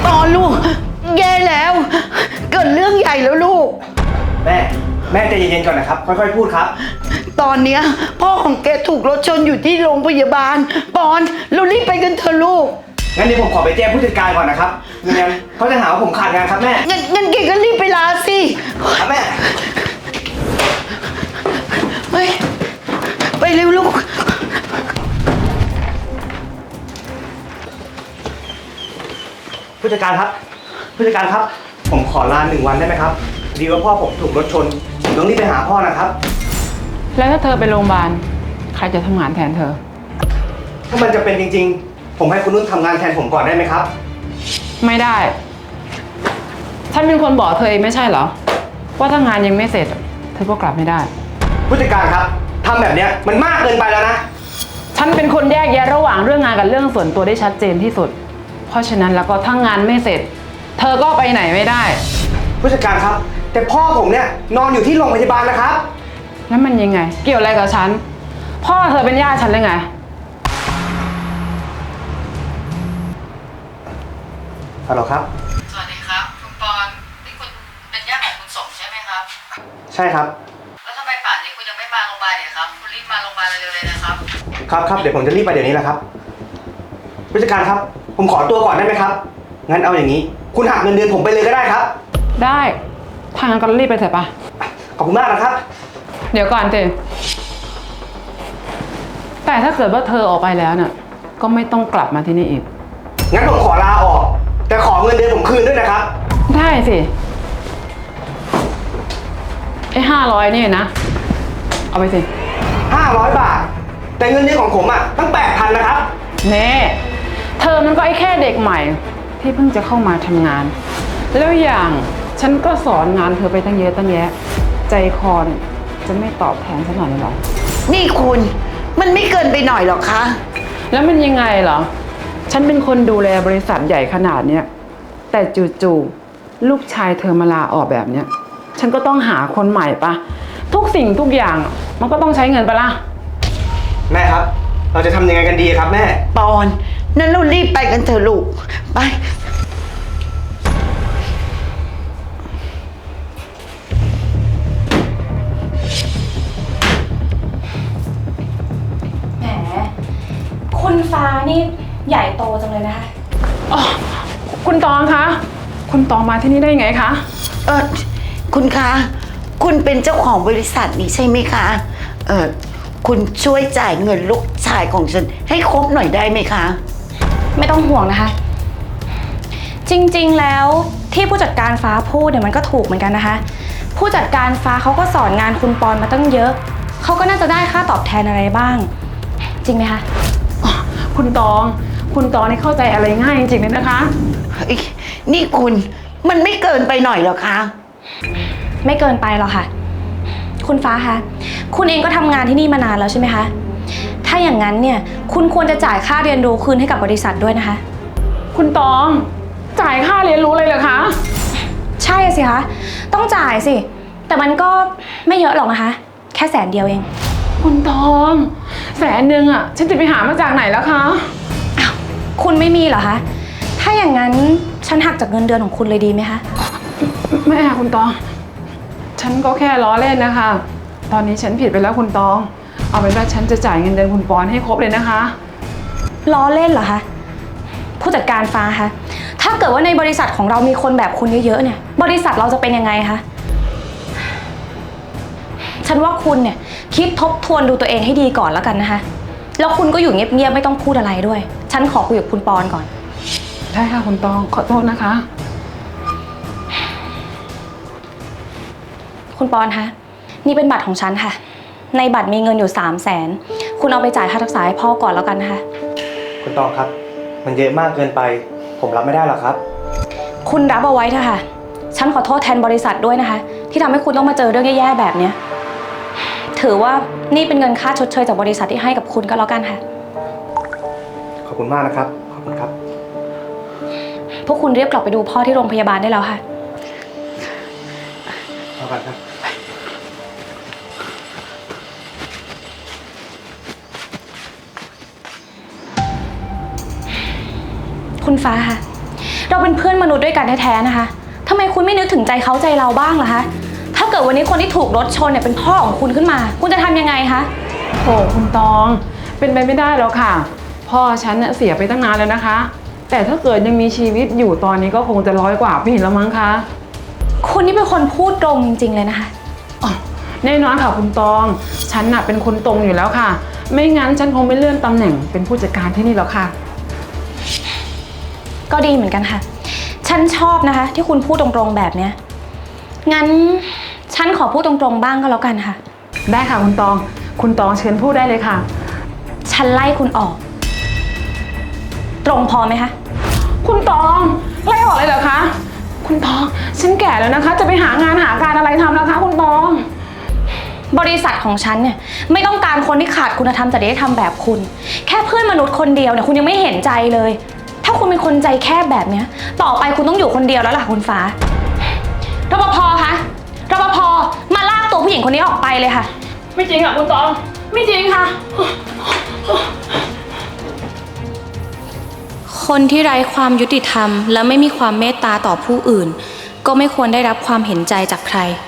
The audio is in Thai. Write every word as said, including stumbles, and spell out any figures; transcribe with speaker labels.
Speaker 1: ปอนลูกแย่แล้วเกิดเรื่องใหญ่แล้วลูก
Speaker 2: แม่แม่ใจเย็นๆก่อนนะครับค่อยๆพูดครับ
Speaker 1: ตอนเนี้ยพ่อของแกถูกรถชนอยู่ที่โรงพยาบาลปอนเรารีบไปกันเถอะลูก
Speaker 2: งั้นเดี๋ยวผมขอไปแจ้งผู้จัดการก่อนนะครับไม่งั้นเขาจะหาว่าผมขาดงานครับแม่
Speaker 1: งั้นงั้นแกก็รีบไปลาสิ
Speaker 2: ครับแม่
Speaker 1: ไปไปเร็วลูก
Speaker 2: ผู้จัดการครับผู้จัดการครับผมขอลาหนึ่งวันได้ไหมครับดีว่าพ่อผมถูกรถชนผมต้องรีบไปหาพ่อนะครับ
Speaker 3: แล้วถ้าเธอไปโรงพยาบาลใครจะทำงานแทนเธอ
Speaker 2: ถ้ามันจะเป็นจริงๆผมให้คุณนุ่นทำงานแทนผมก่อนได้ไหมครับ
Speaker 3: ไม่ได้ฉันเป็นคนบอกเธอเองไม่ใช่เหรอว่าถ้างานยังไม่เสร็จเธอก็กลับไม่ได้
Speaker 2: ผู้จัดการครับทำแบบนี้มันมากเกินไปแล้วนะ
Speaker 3: ฉันเป็นคนแยกแยะระหว่างเรื่องงานกับเรื่องส่วนตัวได้ชัดเจนที่สุดเพราะฉะนั้นแล้วก็ถ้างานไม่เสร็จเธอก็ไปไหนไม่ได้
Speaker 2: ผู้จัดการครับแต่พ่อผมเนี่ยนอนอยู่ที่โรงพยาบาลนะครับ
Speaker 3: แล้วมันยังไงเกี่ยวอะไรกับฉันพ่อเธอเป็นญาติฉันหรือไง
Speaker 2: ฮัลโหลครับ
Speaker 3: สวัสดีครับคุณปอนนี่คุณเป็นญาติของคุณสมใช่ไหมครับ
Speaker 2: ใช่ครับ
Speaker 3: แล้วทำไมป่านนี้คุณยังไม่มาโรงพยาบาลเนี่ยครับคุณรีบมาโรงพยาบาลเร็วๆเลยนะครับ
Speaker 2: ครับครับเดี๋ยวผมจะรีบไปเดี๋ยวนี้แหละครับผู้จัดการครับผมขอตัวก่อนได้ไหมครับงั้นเอาอย่างนี้คุณหักเงินเดือนผมไปเลยก็ได้ครับ
Speaker 3: ได้ถ้างั้นก็รีบไปเถอะปะ
Speaker 2: ขอบคุณมากนะครับ
Speaker 3: เดี๋ยวก่อนเจแต่ถ้าเกิดว่าเธอออกไปแล้วน่ะก็ไม่ต้องกลับมาที่นี่อีก
Speaker 2: งั้นผมขอลาออกแต่ขอเงินเดือนผมคืนด้วยนะครับ
Speaker 3: ได้สิไอ้ห้าร้อยนี่นะเอาไปสิ
Speaker 2: ห้าร้อยบาทแต่เงินเดือนของผมอ่ะตั้งแปดพันนะครับ
Speaker 3: เน่เธอมันก็ไอ้แค่เด็กใหม่ที่เพิ่งจะเข้ามาทำงานแล้วอย่างฉันก็สอนงานเธอไปตั้งเยอะตั้งแยะใจคอเนี่ยจะไม่ตอบแทนฉันหน่อยหรอ
Speaker 1: นี่คุณมันไม่เกินไปหน่อยหรอคะ
Speaker 3: แล้วมันยังไงเหรอฉันเป็นคนดูแลบริษัทใหญ่ขนาดเนี้ยแต่จู่ๆลูกชายเธอมาลาออกแบบเนี้ยฉันก็ต้องหาคนใหม่ปะทุกสิ่งทุกอย่างมันก็ต้องใช้เงินปะล่ะ
Speaker 2: แม่ครับเราจะทำยังไงกันดีครับแม่
Speaker 1: ปอนนั่นเรารีบไปกันเถอะลูกไป
Speaker 4: แหมคุณฟ้านี่ใหญ่โตจังเลยนะคะ
Speaker 3: อ๋อคุณตองคะคุณตองมาที่นี่ได้ไงคะ
Speaker 1: เออคุณคะคุณเป็นเจ้าของบริษัทนี้ใช่ไหมคะเออคุณช่วยจ่ายเงินลูกชายของฉันให้ครบหน่อยได้ไหมคะ
Speaker 4: ไม่ต้องห่วงนะคะจริงๆแล้วที่ผู้จัดการฟ้าพูดเนี่ยมันก็ถูกเหมือนกันนะคะผู้จัดการฟ้าเขาก็สอนงานคุณปอนมาตั้งเยอะเขาก็น่าจะได้ค่าตอบแทนอะไรบ้างจริงไหมคะ
Speaker 3: คุณตองคุณตองนี่เข้าใจอะไรง่ายจริงๆเลยนะคะ
Speaker 1: นี่คุณมันไม่เกินไปหน่อยหรอคะ
Speaker 4: ไม่เกินไปหรอกค่ะคุณฟ้าคะคุณเองก็ทำงานที่นี่มานานแล้วใช่ไหมคะถ้าอย่างนั้นเนี่ยคุณควรจะจ่ายค่าเรียนรู้คืนให้กับบริษัทด้วยนะคะ
Speaker 3: คุณตองจ่ายค่าเรียนรู้เลยเหรอคะ
Speaker 4: ใช่สิคะต้องจ่ายสิแต่มันก็ไม่เยอะหรอกนะคะแค่แสนเดียวเอง
Speaker 3: คุณตองแสนหนึ่งอ่ะฉันจะไปหามาจากไหนแล้วคะ
Speaker 4: อ้าวคุณไม่มีเหรอคะถ้าอย่างนั้นฉันหักจากเงินเดือนของคุณเลยดีไหมคะ
Speaker 3: ไม่ค่ะคุณตองฉันก็แค่ล้อเล่นนะคะตอนนี้ฉันผิดไปแล้วคุณตองเอาเป็นว่าฉันจะจ่ายเงินเดือนคุณปอนให้ครบเลยนะคะ
Speaker 4: ล้อเล่นเหรอคะผู้จัดการฟ้าคะถ้าเกิดว่าในบริษัทของเรามีคนแบบคุณเยอะๆเนี่ยบริษัทเราจะเป็นยังไงคะฉันว่าคุณเนี่ยคิดทบทวนดูตัวเองให้ดีก่อนแล้วกันนะคะแล้วคุณก็อยู่เงียบๆไม่ต้องพูดอะไรด้วยฉันขอคุยกับคุณปอนก่อน
Speaker 3: ได้ค่ะคุณตองขอโทษนะคะ
Speaker 4: คุณปอนคะนี่เป็นบัตรของฉันค่ะในบัตรมีเงินอยู่สามแสนคุณเอาไปจ่ายค่ารักษาให้พ่อก่อนแล้วกันนะคะ
Speaker 2: คุณตองครับมันเยอะมากเกินไปผมรับไม่ได้หรอกครับ
Speaker 4: คุณรับเอาไว้เถอะค่ะฉันขอโทษแทนบริษัทด้วยนะคะที่ทำให้คุณต้องมาเจอเรื่องแย่ๆแบบนี้ถือว่านี่เป็นเงินค่าชดเชยจากบริษัทที่ให้กับคุณก็แล้วกันค่ะ
Speaker 2: ขอบคุณมากนะครับขอบคุณครับ
Speaker 4: พวกคุณเรียบกลับไปดูพ่อที่โรงพยาบาลได้แล้วค่ะ
Speaker 2: ขอบคุณครับ
Speaker 4: คุณฟ้าค่ะเราเป็นเพื่อนมนุษย์ด้วยกันแท้ๆนะคะทำไมคุณไม่นึกถึงใจเขาใจเราบ้างล่ะคะถ้าเกิดวันนี้คนที่ถูกรถชนเนี่ยเป็นพ่อของคุณขึ้นมา คุณจะทำยังไงคะ
Speaker 3: โอ้คุณตองเป็นไปไม่ได้แล้วค่ะพ่อฉันเน่ะเสียไปตั้งนานแล้วนะคะแต่ถ้าเกิดยังมีชีวิตอยู่ตอนนี้ก็คงจะร้อยกว่าปีแล้วมั้งคะ
Speaker 4: คุณนี่เป็นคนพูดตรงจริงๆเลยนะคะ
Speaker 3: อ๋อแน่นอนค่ะคุณตองฉันน่ะเป็นคนตรงอยู่แล้วค่ะไม่งั้นฉันคงไม่เลื่อนตำแหน่งเป็นผู้จัดการที่นี่แล้วค่ะ
Speaker 4: ก็ดีเหมือนกันค่ะฉันชอบนะคะที่คุณพูดตรงๆแบบเนี้ยงั้นฉันขอพูดตรงๆบ้างก็แล้วกันค่ะ
Speaker 3: ได้ค่ะคุณตองคุณตองเชิญพูดได้เลยค่ะ
Speaker 4: ฉันไล่คุณออกตรงพอไหมคะ
Speaker 3: คุณตองไล่ออกเลยเหรอคะคุณตองฉันแก่แล้วนะคะจะไปหางานหาการอะไรทำนะคะคุณตอง
Speaker 4: บริษัทของฉันเนี่ยไม่ต้องการคนที่ขาดคุณธรรมจริยธรรมแบบคุณแค่เพื่อนมนุษย์คนเดียวเนี่ยคุณยังไม่เห็นใจเลยถ้าคุณเป็นคนใจแคบแบบเนี้ยต่อไปคุณต้องอยู่คนเดียวแล้วล่ะคุณฟ้ารปภคะรปภมาลากตัวผู้หญิงคนนี้ออกไปเลยค่ะ
Speaker 3: ไม่จริงค่ะคุณตองไม่จริงค่ะ
Speaker 4: คนที่ไร้ความยุติธรรมและไม่มีความเมตตาต่อผู้อื่นก็ไม่ควรได้รับความเห็นใจจากใคร